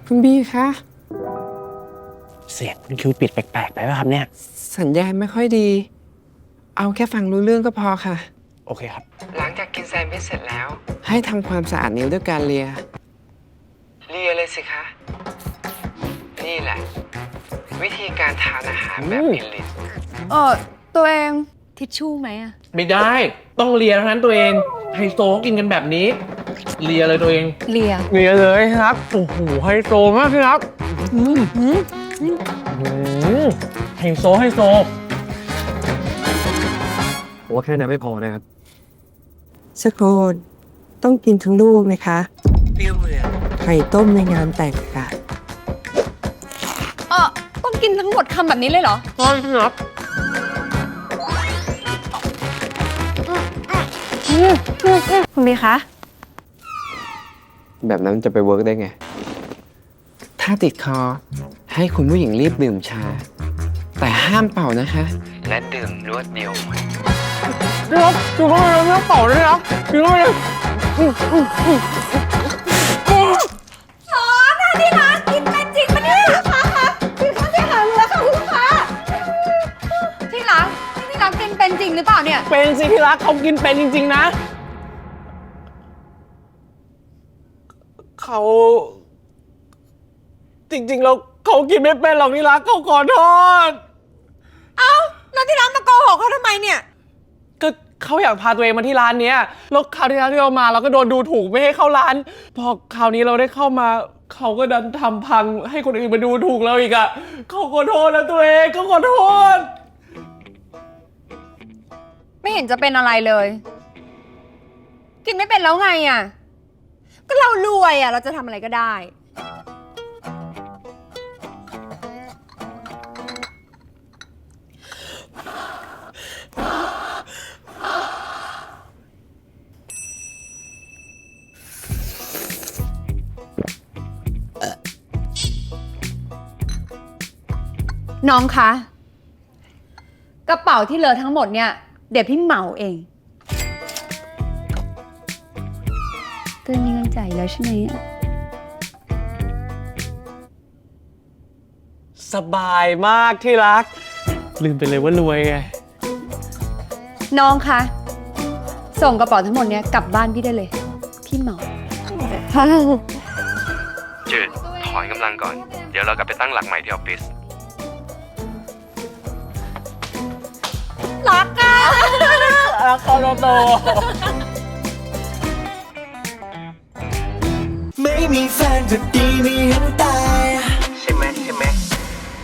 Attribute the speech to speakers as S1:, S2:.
S1: คุณบีคะ
S2: เสียงคุณคิวปิดแปลกๆไปป่ะครับเนี่ย
S1: สัญญาณไม่ค่อยดี เอาแค่ฟังรู้เรื่องก็พอค่ะ
S2: โอเคครับ
S1: หลังจากกินแซนด์วิชเสร็จแล้ว ให้ทำความสะอาดนิ้วด้วยการเลียเลยสิคะ นี่แหละ วิธีการทานอาหารแบบกินลิ้น
S3: ตัวเองทิชชู่ไหมอะ
S2: ไม่ได้ต้องเลียเท่านั้นตัวเองไฮโซเขากินกันแบบนี้เลียเลยตัวเอง
S3: เลีย
S2: เลียเลยครับโอ้โหไฮโซมากพี่ครับไฮโซผมว่าแค่นั้นไม่พอนะครับ
S1: สโคนต้องกินทั้งลูกนะคะเปรี้ยวเหมือนไข่ต้มในงานแต่งค่ะ
S3: ต้องกินทั้งหมดคำแบบนี้เลยเหรอ
S2: ใช่ครับ
S3: คุณบีคะ
S1: แบบนั้นจะไปเวิร์กได้ไง ถ้าติดคอให้คุณผู้หญิงรีบดื่มชา แต่ห้ามเป่านะคะ และดื่มรวดเดียว
S2: พี่ครับดูเข้าไปเลยไม่ต้องเป่าเลยครับดูเข้าไปเลย
S3: ที่ร้านกินเป็นจริงปะเนี่ยลูกค้าคะกินข้าวเสียหายเลยค่ะคุณลูกค้าที่ร้านกินเป็นจริงหรือเปล่าเนี่ย
S2: เป็นสิที่รักเขากินเป็นจริงๆนะเขาจริงๆแล้วเขากินไม่เป็นหรอกที่รักเขาขอโทษ
S3: แล้วที่ร้านมาโกหกเขาทำไมเนี่ย
S2: ก็เขาอยากพาตัวเองมาที่ร้านเนี้ยแล้วคราวที่แล้วที่เรามาเราก็โดนดูถูกไม่ให้เข้าร้าน พอคราวนี้เราได้เข้ามาเขาก็ดันทำพังให้คนอื่นมาดูถูกเราอีกอ่ะเขาขอโทษนะตัวเองเขาขอโทษ
S3: ไม่เห็นจะเป็นอะไรเลย กินไม่เป็นแล้วไงอ่ะ ก็เรารวยอ่ะ เราจะทำอะไรก็ได้ น้องคะ กระเป๋าที่เหลือทั้งหมดเนี่ย เดี๋ยวพี่เหมาเองเตือนมีเงินจ่ายแล้วใช่ไหมอะ
S2: สบายมากที่รัก ลืมไปเลยว่ารวยไง
S3: น้องคะ ส่งกระเป๋าทั้งหมดเนี้ยกลับบ้านพี่ได้เลย พี่เหมา
S4: จืดถอนกำลังก่อน เดี๋ยวเรากลับไปตั้งหลักใหม่ที่ออฟฟิศ
S3: รักอะ
S2: รักคอโต
S5: ไม่มีแฟนก็ดีไม่